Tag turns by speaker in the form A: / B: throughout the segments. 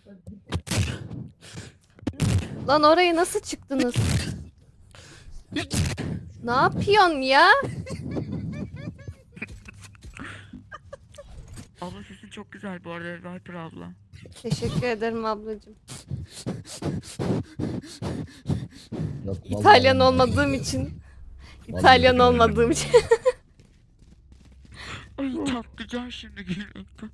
A: Lan oraya nasıl çıktınız? Ne yapıyorsun ya?
B: Abla sesin çok güzel bu arada Viper abla.
A: Teşekkür ederim ablacığım.
C: Yok vallahi
A: İtalyan
C: ben de
A: olmadığım
C: beğendim.
A: için.
C: Vallahi
A: İtalyan
C: beğendim
A: olmadığım
C: ya.
A: için.
B: Ay çatlayacağım şimdi gülmekten.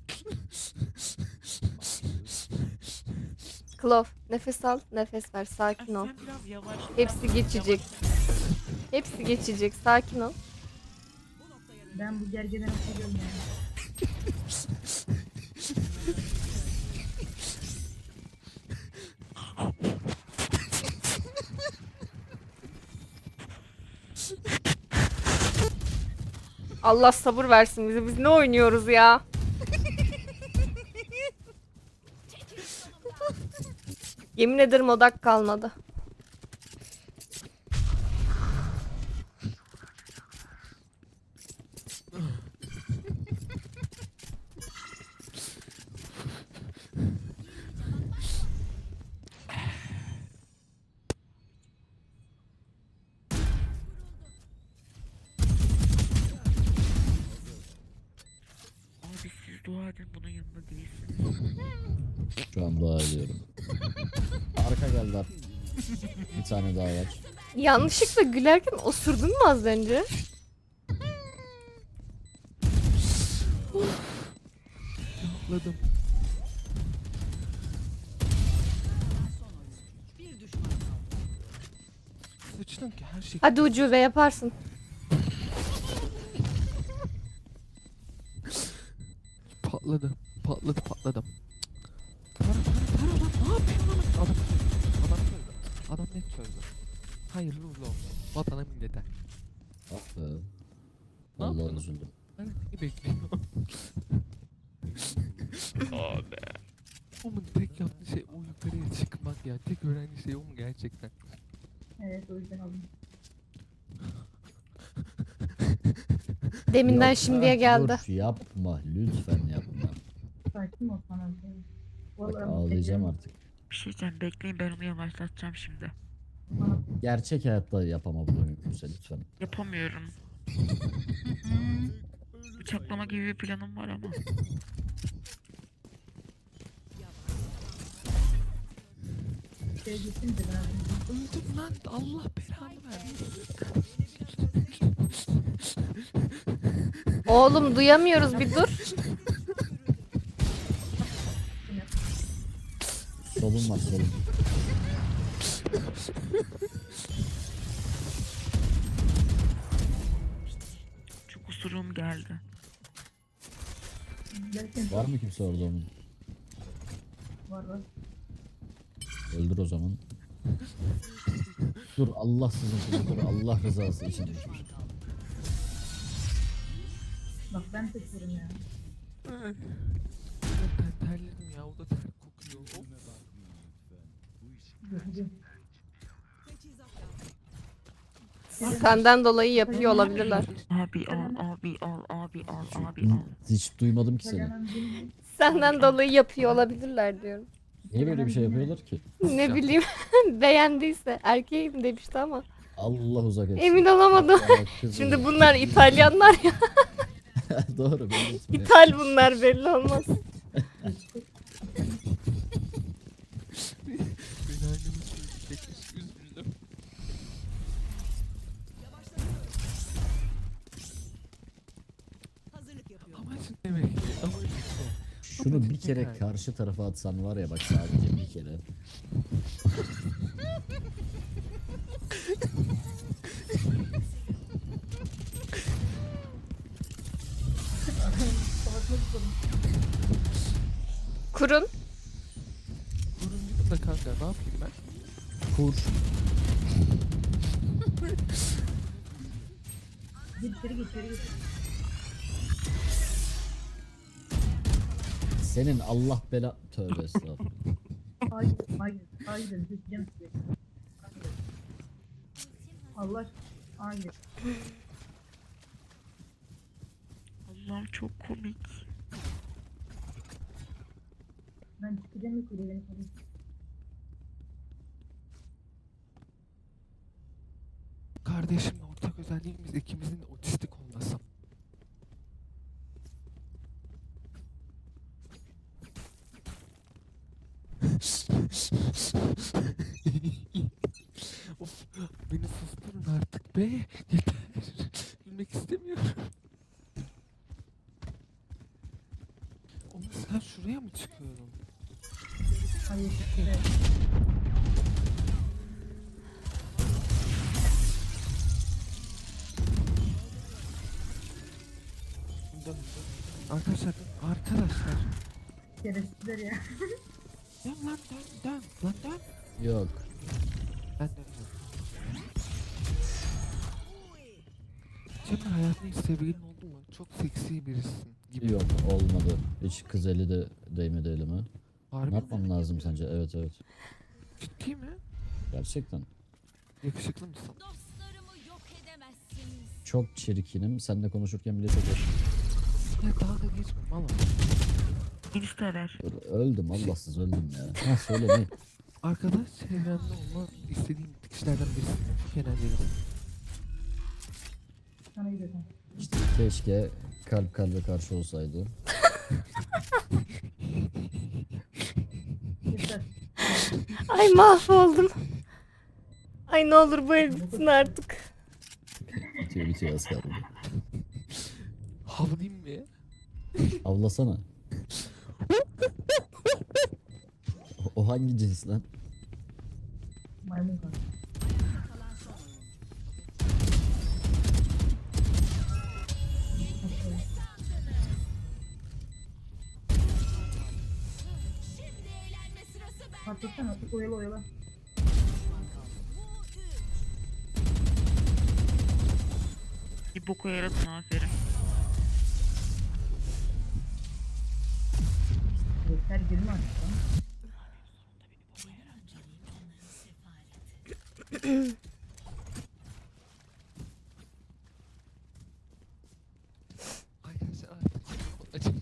A: Klov, nefes al, nefes ver, sakin ol.
B: Sen biraz yavaş.
A: Hepsi geçecek. Hepsi geçecek, sakin ol.
D: Ben bu gergeden hatırlıyorum yani.
A: Allah sabır versin bize. Biz ne oynuyoruz ya? Yemin ederim odak kalmadı.
B: Abi siz dua edin bunun yanında değilsiniz.
C: Şu an dua ediyorum. Arka geldiler. Bir tane daha var.
A: Yanlışlıkla gülerken osurdun mu az önce?
E: Atladım. Sıçtım ki her şey.
A: Hadi ucube yaparsın.
E: Patladı. Patladım. Para lan ne yapıyorsun lan? Adam çözdü. Adam net çözdü. Hayırlı uğurlu olsun. Vatana millete.
C: Ah be.
E: Ne
C: Vallahi
E: yapıyorsun?
C: üzüldüm.
E: Ben ne bekliyorum?
B: Abi.
E: Onun tek yaptığı şey o yukarıya çıkmak ya. Tek öğrendiği şey o mu gerçekten?
D: Evet o yüzden aldım.
A: Deminden
C: Yok,
A: şimdiye
C: ah,
A: geldi.
C: Dur yapma lütfen yapma.
D: Sakin ol sana.
C: Bak
D: Vallahi bu
C: ağlayacağım
D: gergeden
C: artık.
B: Bir şey diyeceğim bekleyin ben onu yavaşlatacağım şimdi.
D: bana
C: Gerçek hayatta yapama bunu mümkünse lütfen.
B: Yapamıyorum. Bıçaklama gibi bir planım var ama.
D: şey getirdi ben.
E: Öldüm lan. Allah belanı versin.
A: Oğlum duyamıyoruz bir dur.
C: Solun var solun.
B: Çok usurum geldi.
D: Gerçekten
C: Var mı kimse orada onun?
D: var.
C: Öldür o zaman. Dur Allah sizin dur Allah rızası için.
D: Bak ben seçiyorum ya.
E: Ben terledim ya. O da ter kokuyor. Of.
D: Gözüm.
A: Senden dolayı yapıyor olabilirler.
B: Abi al.
C: Hiç duymadım ki seni.
D: Hemen bir
A: Senden dolayı yapıyor olabilirler diyorum.
C: Niye böyle bir şey yapıyorlar ki?
A: Ne bileyim beğendiyse erkeğim demişti ama
C: Allah uzak etsin.
A: emin olamadım.
C: Ya kız
A: Şimdi
C: uzak.
A: bunlar İtalyanlar ya.
C: Doğru belli etmiyor.
A: İthal bunlar belli olmaz.
E: Beni anneme söyleyecekmiş. Üzüldüm. Amacın demek ki. Amacın ne?
C: Şunu bir kere karşı tarafa atsan var ya bak sadece bir kere.
A: Kurun.
E: Durun gidin de kanka ne yapayım ben?
C: Kur.
D: git içeri git içeri git.
C: Senin Allah bela... Tövbe estağfurullah.
D: Hayır, seçeceğim size. Hayır. Allah, hayır.
B: Allah'ım çok komik.
D: Ben Ben çıkacağım yukarı beni koruyun.
E: Kardeşimle ortak özelliğimiz ikimizin de otistik olması. Of, beni susturun artık be. Yeter. Gülmek istemiyorum. Oğlum sen şuraya mı çıkıyorum?
D: Hayır. Evet.
E: Dön, dön. Arkadaşlar, arkadaşlar.
D: Şerefsizler ya.
E: Dön lan dön, dön. Lan dön.
C: Yok.
E: Ben dönüyorum. Cemre hayatında hiç sevgilin oldu mu? Çok seksi birisin gibi.
C: Yok olmadı. Hiç kız eli de değmedi elime.
E: Harbi
C: Ne
E: mi?
C: yapmam lazım sence? Evet evet.
E: Ciddi mi?
C: Gerçekten.
E: Yakışıklı mısın?
F: Dostlarımı yok edemezsiniz.
C: Çok çirkinim. Seninle konuşurken bile çok hoş.
E: Ya dalga geçme valla.
B: İnstaller.
C: Öldüm Allahsız öldüm ya. Ha söyle ne?
E: Arkadaş çevremde olma istediğim kişilerden birisi. Kenan Yeliz.
D: Sana gidiyorum.
C: İşte keşke kalp kalbe karşı olsaydı.
D: Yeter.
A: Ay mahvoldum. Ay ne olur bu el bitsin artık.
C: Bitiyor bitiyor az kaldı.
E: Havlayayım mı?
C: Avlasana. O hangi cins lan?
D: Maymun kaldı.
F: Şimdi eğlenme sırası ben.
D: Patlatsana. Oyala oyala.
B: Bir boku yaradın aferin.
D: Yeter girme artık lan.
E: Arkadaşlar artık acı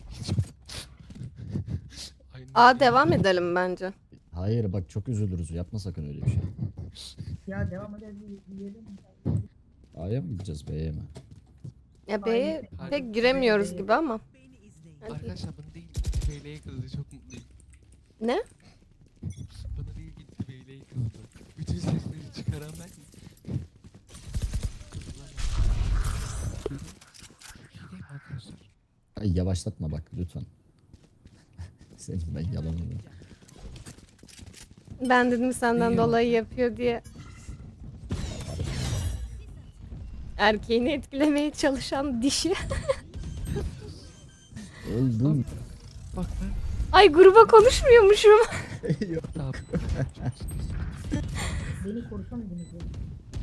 E: Aynı
A: Aa devam edelim bence.
C: Hayır bak çok üzülürüz. Yapma sakın öyle bir şey.
D: Ya devam edelim. Yiyelim.
C: A'ya mı gideceğiz B'ye mi?
A: Ya B'ye
E: Hayır.
A: pek giremiyoruz gibi ama. Hadi.
E: Arkadaşlar bana değil Beyle'ye kızdı çok mutluyum.
A: Ne?
E: Bana değil gitti Beyle'ye kızdı. Bütün sesleri çıkaran ben. Kızlar. Gideyim arkadaşlar.
C: Ay yavaşlatma bak lütfen. Senin ben yalanını.
A: Ben dedim senden
E: İyi
A: dolayı yapıyor diye. Erkeğini etkilemeye çalışan dişi.
C: Öldüm.
E: Bak ben
A: Ay gruba konuşmuyormuşum.
E: ne yapayım?
D: Beni korusamadınız ya.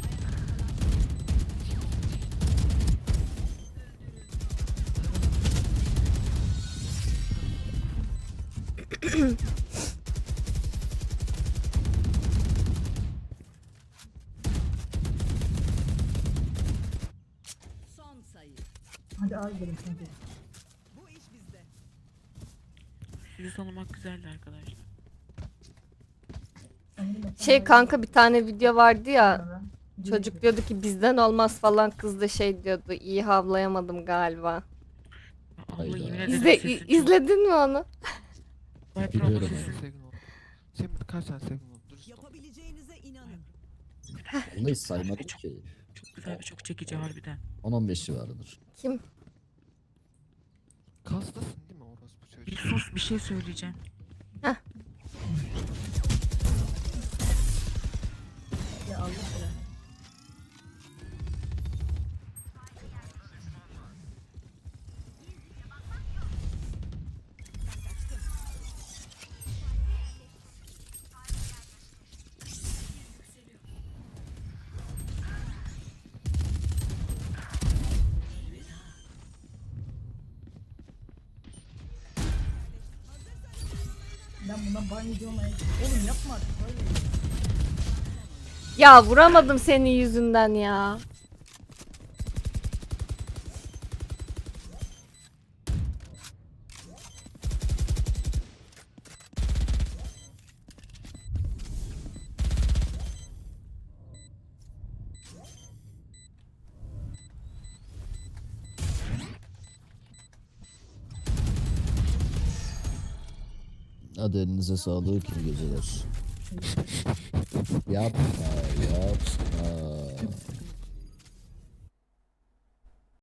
F: Son sayı.
D: Hadi al gidelim sanki.
F: Bu iş bizde.
B: Sizi tanımak güzeldi arkadaşlar.
A: Şey kanka bir tane video vardı ya.
D: Sonra
A: Çocuk diyordu ki bizden olmaz falan, kız da şey diyordu, iyi havlayamadım galiba.
B: Ya abla
C: Hayda.
B: yemin ederim
A: İzle,
B: sesin çok...
A: izledin mi onu?
B: Viper abla
C: Biliyorum.
B: sesin
E: Sevgin oldu. Senin kaç tane sevgin oldu? Dürüst ol.
F: Yapabileceğinize inanın.
C: Onu hiç saymadım ki.
B: çok güzel ve çok çekici harbiden.
C: 10-15 civarıdır.
A: Kim?
E: Kastasın değil mi orospu çocuğu?
B: Bir sus bir şey söyleyeceğim.
D: Ya Allah Allah. Ben bundan ban yiyeceğim ama oğlum yapma artık böyle.
A: Ya vuramadım senin yüzünden ya.
C: Hadi elinize sağlık, iyi geceler. Yapma, yapma.